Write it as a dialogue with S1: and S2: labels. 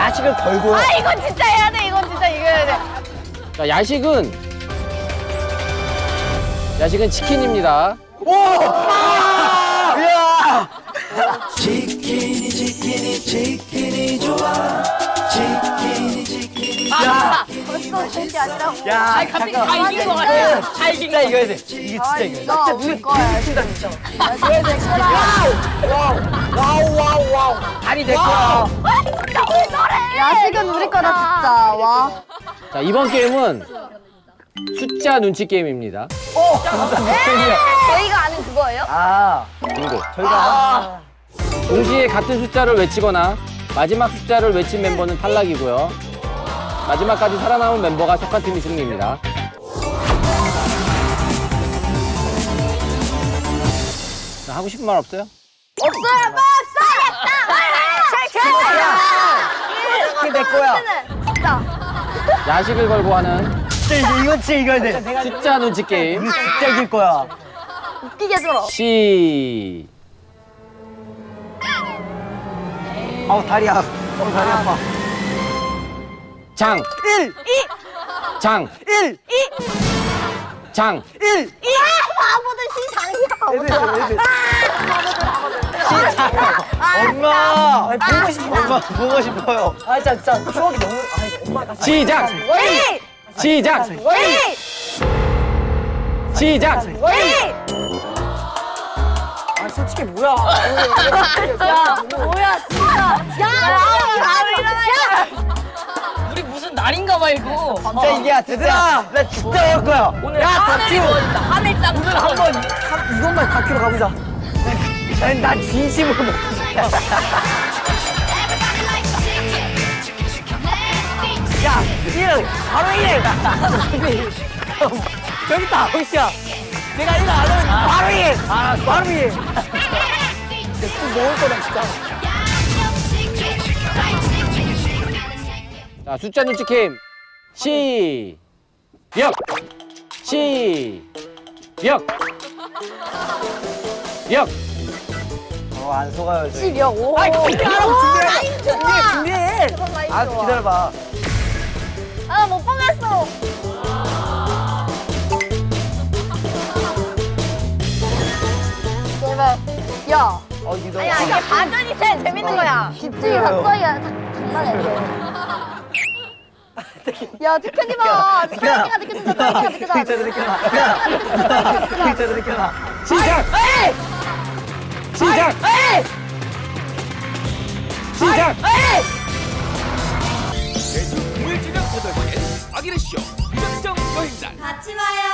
S1: 야식을 걸고요.
S2: 아, 이건 진짜 해야 돼. 이건 진짜 이겨야 돼.
S3: 자, 야식은 치킨입니다.
S1: 오! 이야!
S4: 치킨이 좋아. 치킨이
S2: 아, 벌써 셋이 아니라고.
S1: 야,
S2: 아니, 갑자기 다 이긴 것 같아. 다 이긴 것
S1: 진짜
S2: 같아.
S1: 이겨야 돼. 이게 진짜 이겨야 돼.
S2: 너 우리 거야. 진짜 진짜. 내 거라.
S1: 와우. 다리 내 거야.
S2: 진짜 왜 저래? 야식은 우리 거다 진짜. 와.
S3: 자, 이번 게임은 숫자 눈치 게임입니다.
S2: 저희가 아는 그거예요?
S1: 아,
S3: 빙고.
S1: 저희가
S3: 동시에 같은 숫자를 외치거나 마지막 숫자를 외친 멤버는 탈락이고요. 마지막까지 살아남은 멤버가 속한 팀이 승리입니다. 자, 하고 싶은 말 없어요?
S2: 없어요.
S1: 치킨 내 거야.
S2: 진짜.
S3: 야식을 걸고 하는
S1: 진짜 이건 진짜 이겨야 돼.
S3: 숫자 눈치 게임.
S1: 이거 진짜 이길 거야.
S2: 웃기게 들어.
S1: 아우 다리 아파. 다리 아파.
S3: 장.
S1: 1,
S3: 장.
S1: 1,
S3: 장.
S1: 1.
S2: 바보들 시장이야.
S1: 엄마. 보고 싶어. 엄마 보고 싶어요. 아 진짜 추억이 너무. 엄마가.
S3: 시작.
S2: 왜?
S3: 시작.
S2: 왜?
S3: 시작.
S2: 왜?
S1: 아 솔직히 뭐야?
S2: 야, 뭐야, 진짜. 야, 바로 일어나.
S5: 우리 무슨 날인가 봐 이거.
S1: 진짜 이겨야 얘들아. 나 진짜 할 거야.
S5: 오늘
S1: 야
S5: 하늘
S1: 다키로.
S5: 구워진다. 하늘 땅.
S1: 오늘 한번 이것만 다키로 가보자. 난 진심으로 먹고 싶다. 야, 1, 바로 1. 저기 있다, 호시야. 내가 1을 안 하면 바로 1. 바로 1. 또 먹을 거다, 진짜.
S3: 자, 숫자 눈치 게임. 시작. 시작. 역.
S1: 안 속아요, 저희.
S2: 10이요? 오.
S1: 아이, 준비하라고, 준비해.
S2: 라인 좋아.
S1: 준비해.
S2: 그건 라인
S1: 아,
S2: 좋아.
S1: 기다려봐.
S2: 아, 못 보겠어. 제발. 야.
S1: 이거.
S2: 아니야, 이게 반전이 제일 재밌는 거야. 집중이 갑자기 장난해. 야, 대표님 봐. 사연이가 느껴진다, 사연이가 느껴진다.
S1: 글자도 느껴봐. 글자도 느껴봐.
S3: 시작. 시작. 시작.
S6: 매주 금요일 저녁 8시엔 아기레쇼 무작정 여행단
S2: 같이 봐요.